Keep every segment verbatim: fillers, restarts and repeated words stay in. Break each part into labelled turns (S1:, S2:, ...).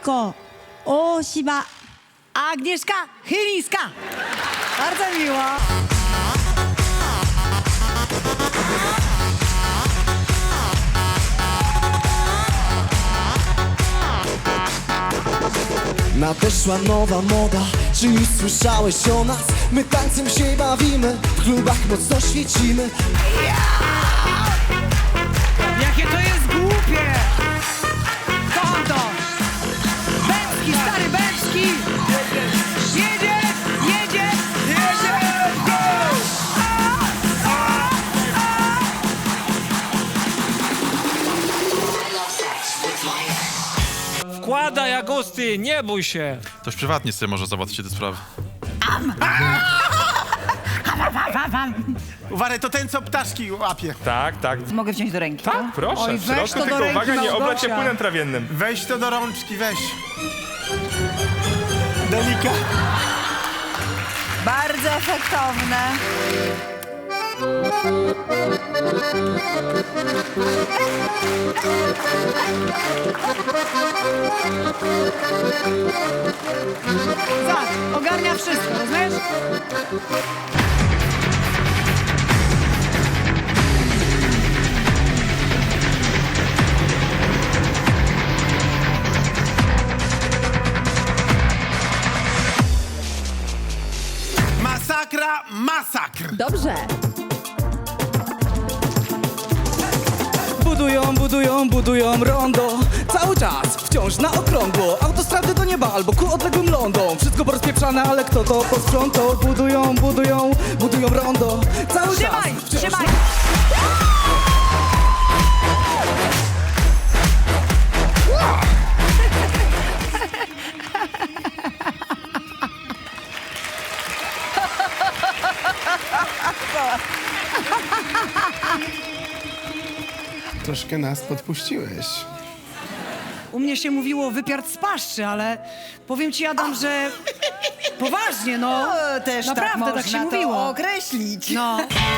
S1: Mariko, Oshiba.
S2: Agnieszka Chylińska. Bardzo miło.
S3: Nadeszła nowa moda, czy już słyszałeś o nas? My tańcem się bawimy, w klubach mocno świecimy.
S2: Jakie to jest głupie! Kocham to! Bęcki, stary Bęcki! Jedzie, jedzie, jedzie! Go!
S4: Wkładaj, Agusty, nie bój się.
S5: Ktoś prywatnie sobie może załatwić te sprawy.
S6: Uważaj, to ten, co ptaszki łapie.
S7: Tak, tak.
S2: Mogę wziąć do ręki?
S7: Tak, proszę,
S2: Oj,
S7: w
S2: weź
S7: środku,
S2: to do
S7: tylko
S2: ręki,
S7: uwaga, nie oblać się
S2: Małgosia.
S7: płynem trawiennym.
S6: Weź to do rączki, weź. Delika.
S2: Bardzo efektowne. Zobacz, ogarnia wszystko, rozumiesz?
S6: Masakra, masakr.
S1: Dobrze.
S3: Budują, budują, budują rondo. Cały czas, wciąż na okrągło. Autostrady do nieba albo ku odległym lądom. Wszystko porozpieprzane, ale kto to posprzątał? Budują, budują, budują rondo. Cały
S2: Trzymaj,
S3: czas, wciąż
S2: trzymaj!
S6: Troszkę nas podpuściłeś.
S2: U mnie się mówiło wypiart z paszczy, ale powiem ci, Adam, że poważnie, no.
S8: O, też
S2: Naprawdę
S8: tak można
S2: tak się
S8: to
S2: mówiło.
S8: określić.
S2: No.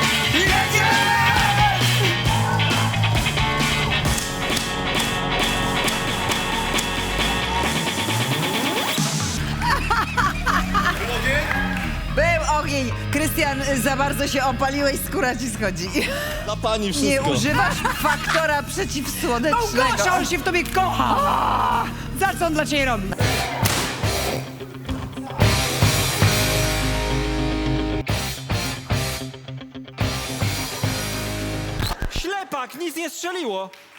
S8: Był ogień. Krystian, za bardzo się opaliłeś, skóra ci schodzi.
S3: dla pani
S8: Nie
S3: wszystko.
S8: używasz faktora przeciwsłonecznego.
S2: Małgosia, on się w tobie kocha! Za co on dla ciebie robi?
S4: Ślepak, nic nie strzeliło.